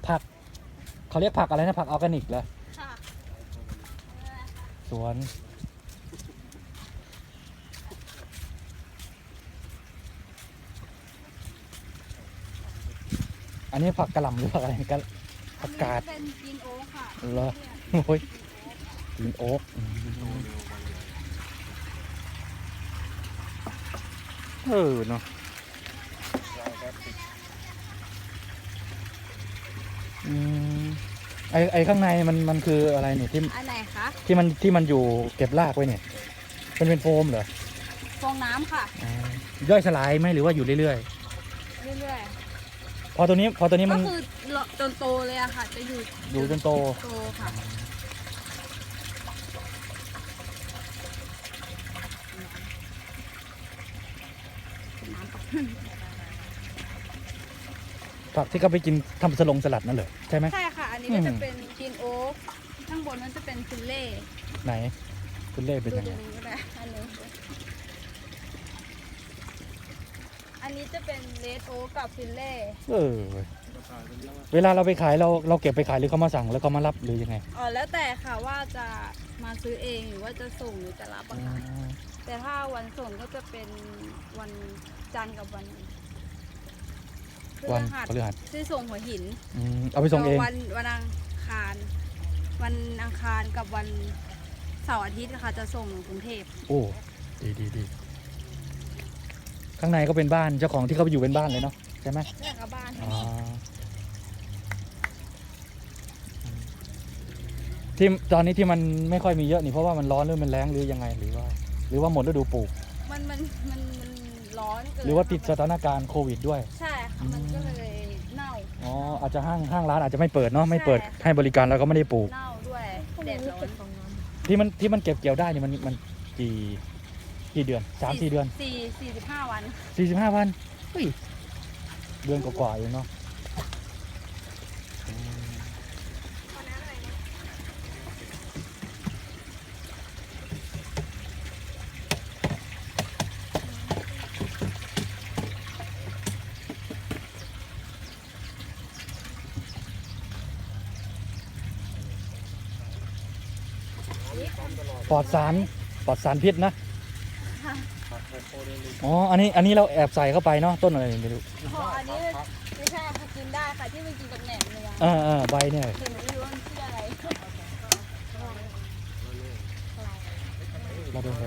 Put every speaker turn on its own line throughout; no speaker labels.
ผักเขาเรียกผักอะไรนะผักออร์แกนิกเหรอ
ค่ะ
สวนอันนี้ผักกะหล่ำหรือผักอะไรกันผักกาด
เป็นกินโอ๊คค่ะ
เหรอโอ้ยกินโอ๊กเนาะไอข้างในมันคืออะไรเนี่ยที่
อันไหนคะ
ที่มันอยู่เก็บรากไว้เนี่ยเป็นโฟมเหรอ
ฟองน้ำค่ะ
ย่อยสลายไหมหรือว่าอยู่เรื่อย
เรื่อย
ๆพอตัวนี้
ๆ ก็
มัน
คือจนโตเลยอะค่ะ จะอยู่
อยู่จนโต
โตค่ะ
ผักที่เขาไปกินทำสลัดนั่นเหรอใช่ไหม
ใช่ค่ะ อันนี้ก็จะเป็นกินโอ๊คข้างบนนั้นจะเป็นฟิลเล่
ไหนคุณเล่เป็น
ดู
ยัง
ต
ไง
รงนี้ก็ได้ อันนี้จะเป็นเลดโอ๊คกับฟิลเล่
เวลาเราไปขายเราเก็บไปขายหรือเขามาสั่งแล้วเขามารับหรือยังไง
อ๋อแล้วแต่ค่ะว่าจะมาซื้อเองหรือว่าจะส่งหรือจะรับอะค่ะแต่ถ้าวันส่งก็จะเป็นวันจันทร์กับวันพฤ
วัน
หัส
พฤหัส
ที่ส่งหัวหิน
เอาไปส่งเอง
วันอังคาร วันอังคารกับวันเสาร์อาทิตย์ค่ะจะส่งกรุงเทพ
โอ้ดีข้างในก็เป็นบ้านเจ้าของที่เขาไปอยู่เป็นบ้านเลยเนาะใช่ไหม
เรื่องกับบ้าน
อ๋อที่ตอนนี้ที่มันไม่ค่อยมีเยอะนี่เพราะว่ามันร้อนหรือมันแล้งหรือยังไงหรือว่าหมดฤดูปลูก
มันร้อนเกิน
หรือว่าติดส
ค่ะ
ถานการณ์โควิดด้วย
ใช่ค่ะมันก็เลยเน่า
อ๋ออาจจะห้างร้านอาจจะไม่เปิดเนาะไม่เปิด
ใช่
ให้บริการแล้วก็ไม่ได้ปลูก
เน่าด้วยแดดร้อน
ที่มันเก็บเกี่ยวได้นี่มันกี่เดือน3-4 เดือน
45 วัน
45 วันเฮ้ยเดือนกว่าๆเองเนาะปลอดสารพิษนะอ๋ออันนี้เราแอบใส่เข้าไปเนาะต้นอะไรไม่รู้
พออันนี้ไม่ใช่ค่ะกินได้ค่ะที่มันกินกับแหนมเนือง
ใบเนี่ย
แต่หนูไม่รู้ว่ามันชื่ออะไร
เราเดินไป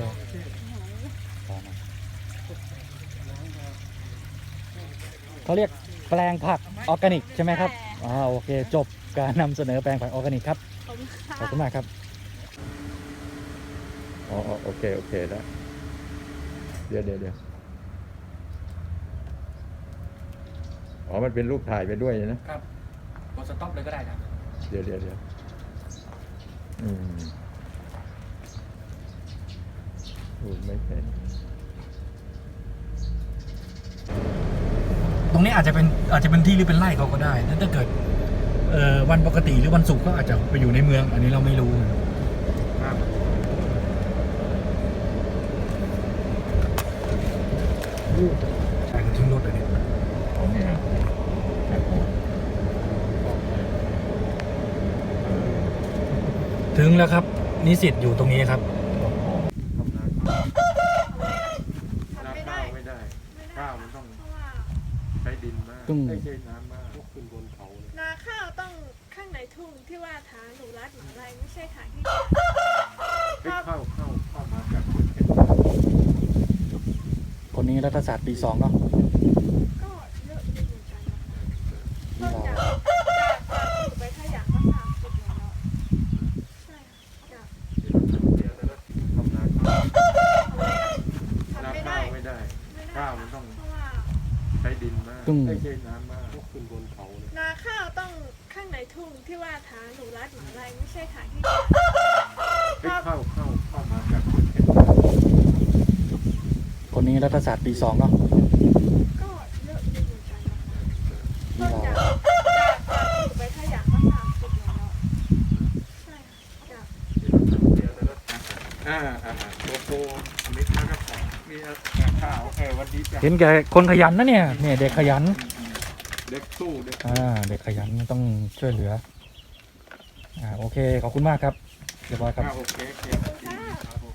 เขาเรียกแปลงผักออร์แกนิกใช่ไหมครับอ๋อโอเคจบการนำเสนอแปลงผักออร์แกนิกครับ
ขอบคุณค่ะ
ขอบคุณมากครับ
อ๋อโอเคแล้วเดี๋ยวอ๋อมันเป็นรูปถ่ายไปด้วยนะครับ
กดสต็อปเลยก็ได้ครับ
เดี๋ยวพูดไม่เป็น
ตรงนี้อาจจะเป็นที่หรือเป็นไร่เขาก็ได้ถ้าเกิดวันปกติหรือวันศุกร์ก็อาจจะไปอยู่ในเมือง อันนี้เราไม่รู้ใช่เขาทิ้งรถเลยเนี่ย
ของเนี่ย
ถึงแล้วครับนิสิตอยู่ตรงนี้ครับ
นาข้าวไม่ได้ข้าวมันต้องใช้ดินมาก
ต้อง
ไม่ใช่น้ำมากขึ้นบนเขาเลย
นาข้าวต้องข้างในทุ่งที่ว่าทางหนูรัดหมาลัยไม่ใช่ทางที่
เข้ามาจากเมืองเพชร
คนนี้รัฐศาสตร์ปี 2เนาะ
ก็เยอะอยู่เหมือนกันนะคะต้นจากปลูกไปถ้าอยากก็30แล้วใช่ค่ะ
เดี๋ยวแล้วทำนา
ทำไม่ได้
ไม่ได้ข้าวมันต้อง
เพราะว่า
ใช้ดินมาก
ต้อง
ไม่ใช่น้ำมากขึ้นบนเขาเลย
นาข้าวต้องข้างในทุ่งที่ว่าทางหนูรัดหมาลัยไม่ใช่ทางที่
เข้ามาจากเมืองเพชร
คนนี้รัฐศาสตร์ปี 2เนาะ
ก็เยอะอยู่เหมือนกันนะคะต้นจากปลูกไปถ้าอยากก็30แล้วใช่ค่ะ
เดี๋ยวแล้วโกโก้มิตรแล้วก็ของมีข้าววันนี้จะ
เห็นแกคนขยันนะเนี่ยเด็กขยัน
เด็กสู้เด็ก
เด็กขยันต้องช่วยเหลือโอเคขอบคุณมากครับเรียบร้อยครับ
โอเคครับผม